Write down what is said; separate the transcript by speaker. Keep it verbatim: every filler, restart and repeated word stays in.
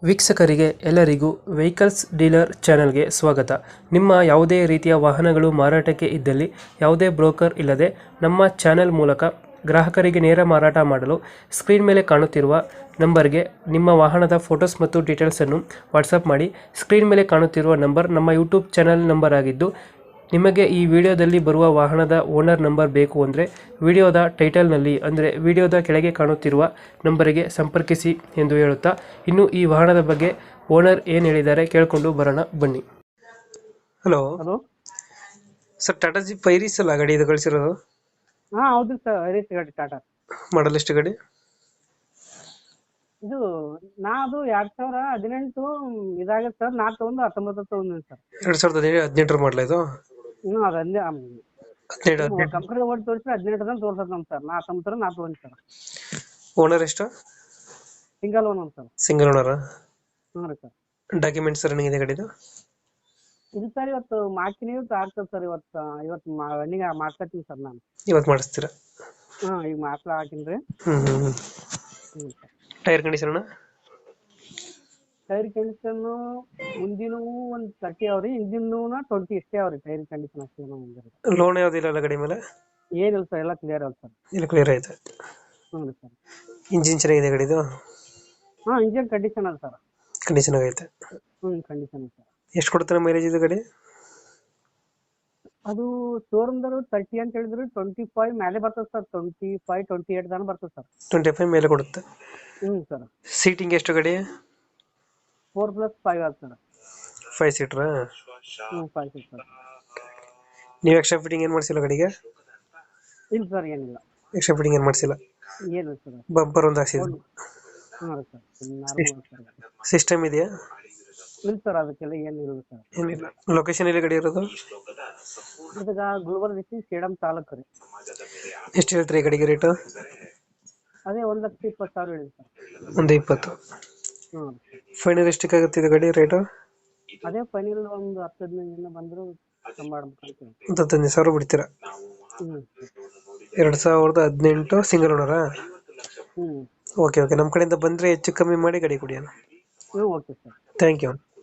Speaker 1: ವೀಕ್ಷಕರಿಗೆ ಎಲ್ಲರಿಗೂ vehicles dealer ಚಾನೆಲ್ಗೆ ಸ್ವಾಗತ. ನಿಮ್ಮ ಯಾವುದೇ ರೀತಿಯ ವಾಹನಗಳು ಮಾರಾಟಕ್ಕೆ ಇದ್ದಲ್ಲಿ ಯಾವುದೇ ಬ್ರೋಕರ್ ಇಲ್ಲದೆ ನಮ್ಮ ಚಾನೆಲ್ ಮೂಲಕ ಗ್ರಾಹಕರಿಗೆ ನೇರ ಮಾರಾಟ ಮಾಡಲು ಸ್ಕ್ರೀನ್ ಮೇಲೆ ಕಾಣುತ್ತಿರುವ ನಂಬರ್ಗೆ ನಿಮ್ಮ ವಾಹನದ ಫೋಟೋಸ್ ಮತ್ತು ಡೀಟೇಲ್ಸನ್ನು ವಾಟ್ಸಪ್ ಮಾಡಿ. ಸ್ಕ್ರೀನ್ ಮೇಲೆ ಕಾಣುತ್ತಿರುವ ನಂಬರ್ ನಮ್ಮ ಯೂಟ್ಯೂಬ್ ಚಾನೆಲ್ ನಂಬರ್ ಆಗಿದ್ದು, ನಿಮಗೆ ಈ ವಿಡಿಯೋದಲ್ಲಿ ಬರುವ ವಾಹನದ ಓನರ್ ನಂಬರ್ ಬೇಕು ಅಂದರೆ ವಿಡಿಯೋದ ಟೈಟಲ್ನಲ್ಲಿ ಅಂದರೆ ವಿಡಿಯೋದ ಕೆಳಗೆ ಕಾಣುತ್ತಿರುವ ನಂಬರಿಗೆ ಸಂಪರ್ಕಿಸಿ ಎಂದು ಹೇಳುತ್ತಾ, ಇನ್ನು ಈ ವಾಹನದ ಬಗ್ಗೆ ಓನರ್ ಏನು ಹೇಳಿದ್ದಾರೆ ಕೇಳಿಕೊಂಡು ಬರೋಣ ಬನ್ನಿ. ಹಲೋ
Speaker 2: ಹಲೋ
Speaker 1: ಸರ್, ಟಾಟಾ ಜಿ ಪೈರಿಸ್ ಅಲ್ಲ ಗಾಡಿ ಇದು ಕಳಿಸಿರೋದು?
Speaker 2: ಹಾ ಹೌದು ಸರ್, ಹರೀಶ್ ಗಾಡಿ ಟಾಟಾ.
Speaker 1: ಮಾಡಲ್ ಎಷ್ಟು ಗಾಡಿ?
Speaker 2: ಇದು ನಾ ಅದು ಎರಡ್ ಸಾವಿರ ಹದಿನೆಂಟು ಇದಾಗತ್ತೆ ಸರ್. ನಾ ತಗೊಂಡು ಹತ್ತೊಂಬತ್ತು ತಗೊಂಡಿನಿ ಸರ್.
Speaker 1: ಎರಡ್ ಸಾವಿರದ ಹದಿನೆಂಟರ ಮಾಡಲ ಇದು?
Speaker 2: ಹ್ಞೂ ಅದು ಅಲ್ಲಿ
Speaker 1: ಹದಿನೇಳು ಹದಿನೆಂಟು
Speaker 2: ಕಂಪ್ನಿ ಓಡಿ ತೋರಿಸಿ ಹದಿನೆಂಟು ತನಕ ತೋರ್ಸತ್ ನಮ್ ಸರ್. ನಾ ಹತ್ತೊಂಬತ್ತರ ನಾ ತಗೊಂಡಿ ಸರ್.
Speaker 1: ಓನರ್ ಎಷ್ಟು?
Speaker 2: Single own sir.
Speaker 1: Single owner?
Speaker 2: ಹ್ಞೂ ರೀ ಸರ್.
Speaker 1: ಡಾಕ್ಯುಮೆಂಟ್ಸ್ ರನ್ನಿಂಗ್ ಇದೆ ಗಾಡಿದು?
Speaker 2: ಇದು ಸರ್ ಇವತ್ತು ಮಾರ್ಕಿನ ಇವತ್ತು ಆಗ್ತದೆ ಸರ್. ಇವತ್ತು ಇವತ್ತು ರನ್ನಿಂಗ್ ಮಾಡ್ಕೊತೀನಿ ಸರ್ ನಾನು.
Speaker 1: ಇವತ್ತು ಮಾಡಿಸ್ತೀರಾ?
Speaker 2: ಹಾಂ ಈಗ ಮಾರ್ಕ್ಲ ಹಾಕಿನಿ ರೀ.
Speaker 1: ಹ್ಮ್ ಹ್ಮ್ ಹ್ಮ್
Speaker 2: ಹ್ಞೂ ಸರ್.
Speaker 1: Tyre condition?
Speaker 2: ಟೈರ್ ಕಂಡೀಷನ್ನು ಮುಂದಿನೂ ಒಂದು ತರ್ಟಿ ಅವ್ರಿ, ಹಿಂದಿನೂ ಟ್ವೆಂಟಿ ಇಷ್ಟೇ ಅವ್ರಿ. ಟೈರ್ ಕಂಡೀಷನ್ ಅಷ್ಟೇ ಮುಂದೆ.
Speaker 1: ಲೋನ್ ಯಾವ್ದಿಲ್ಲ ಅಲ್ಲ ಗಾಡಿ ಮೇಲೆ?
Speaker 2: ಏನಿಲ್ಲ ಸರ್, ಎಲ್ಲ ಕ್ಲಿಯರ್ ಅಲ್ಲ ಸರ್.
Speaker 1: ಇಲ್ಲ, ಕ್ಲಿಯರ್ ಐತೆ.
Speaker 2: ಹ್ಞೂ ರೀ ಸರ್.
Speaker 1: ಇಂಜಿನ್ ಚೆನ್ನಾಗಿದೆ ಗಾಡಿದು?
Speaker 2: ಹಾಂ ಇಂಜಿನ್ ಕಂಡೀಷನ್ ಅದ ಸರ್.
Speaker 1: ಕಂಡೀಷನ್ ಆಗೈತೆ.
Speaker 2: ಹ್ಞೂ ಕಂಡೀಷನ್ ಸರ್.
Speaker 1: ಎಷ್ಟು ಕೊಡ್ತಾರೆ ಮೈಲೇಜ್ ಇದು ಗಾಡಿ?
Speaker 2: ಅದು ಶೋರೂಮ್ದವರು ತರ್ಟಿ ಅಂತ ಹೇಳಿದ್ರು, ಟ್ವೆಂಟಿ ಫೈವ್ ಮೇಲೆ ಬರ್ತದೆ sir. Twenty five twenty eight ತನಕ ಬರ್ತದೆ ಸರ್.
Speaker 1: ಟ್ವೆಂಟಿ ಫೈವ್ ಮೇಲೆ ಕೊಡುತ್ತೆ.
Speaker 2: ಹ್ಞೂ ಸರ್.
Speaker 1: ಸೀಟಿಂಗ್ ಎಷ್ಟು ಗಾಡಿ?
Speaker 2: ಫೋರ್ ಪ್ಲಸ್ ಫೈವ್ ಆದ ಸರ್.
Speaker 1: ಫೈವ್ ಸೀಟ್ರಾ?
Speaker 2: ಹ್ಞೂ ಫೈವ್ ಸೀಟ್ ಸರ್.
Speaker 1: ನೀವು ಎಕ್ಸ್ಟ್ರಾ ಫಿಟ್ಟಿಂಗ್ ಏನು ಮಾಡಿಸಿಲ್ಲ ಗಾಡಿಗೆ?
Speaker 2: ಇಲ್ಲ ಸರ್, ಏನಿಲ್ಲ.
Speaker 1: ಎಕ್ಸ್ಟ್ರಾ ಫಿಟ್ಟಿಂಗ್ ಏನು ಮಾಡಿಸಿಲ್ಲ?
Speaker 2: ಏನಿಲ್ಲ ಸರ್.
Speaker 1: ಬಂಪರ್ ಒಂದು ಹಾಕ್ಸಿದ್ರು?
Speaker 2: ಹ್ಞೂ ರೀ ಸರ್, ನಾರ್ಮಲ್ ಸರ್.
Speaker 1: ಸಿಸ್ಟಮ್ ಇದೆಯಾ?
Speaker 2: ಇಲ್ಲ ಸರ್, ಅದಕ್ಕೆಲ್ಲ ಏನಿಲ್ಲ ಸರ್.
Speaker 1: ಏನಿಲ್ಲ. ಲೊಕೇಶನ್ ಎಲ್ಲಿ ಗಾಡಿ ಇರೋದು?
Speaker 2: ಇದೀಗ ಗುಲ್ಬರ್ಗ ಡಿಸ್ಟ್ರಿಕ್ಟ್ ಸೇಡಂ ತಾಲೂಕು ರೀ.
Speaker 1: ಎಷ್ಟು ಹೇಳ್ತೀರಿ ಈ ಗಾಡಿಗೆ ರೇಟು?
Speaker 2: ಅದೇ ಒಂದು ಲಕ್ಷ ಇಪ್ಪತ್ತು ಸಾವಿರ ಹೇಳಿ ಸರ್.
Speaker 1: ಒಂದು ಇಪ್ಪತ್ತು?
Speaker 2: ಹ್ಞೂ.
Speaker 1: ಫೈನಲ್ ಎಷ್ಟಕ್ಕೆ ಆಗುತ್ತೆ ಇದು ಗಾಡಿ ರೇಟು?
Speaker 2: ಅದೇ ಫೈನಲ್ ಒಂದು ಹತ್ತು ಹದಿನೈದು ದಿನ ಬಂದರೂ ಕಮ್ಮಿ ಮಾಡ್ಬೇಕಂತ.
Speaker 1: ಒಂದು ಹತ್ತೊಂದು ಸಾವಿರ ಬಿಡ್ತೀರಾ?
Speaker 2: ಹ್ಞೂ.
Speaker 1: ಎರಡು ಸಾವಿರದ ಹದಿನೆಂಟು ಸಿಂಗಲ್ ಓನರಾ?
Speaker 2: ಹ್ಞೂ.
Speaker 1: ಓಕೆ ಓಕೆ, ನಮ್ಮ ಕಡೆಯಿಂದ ಬಂದರೆ ಹೆಚ್ಚು ಕಮ್ಮಿ ಮಾಡಿ ಗಾಡಿ ಕೊಡಿ ಅಣ್ಣ.
Speaker 2: ಹ್ಞೂ ಓಕೆ ಸರ್.
Speaker 1: Thank you.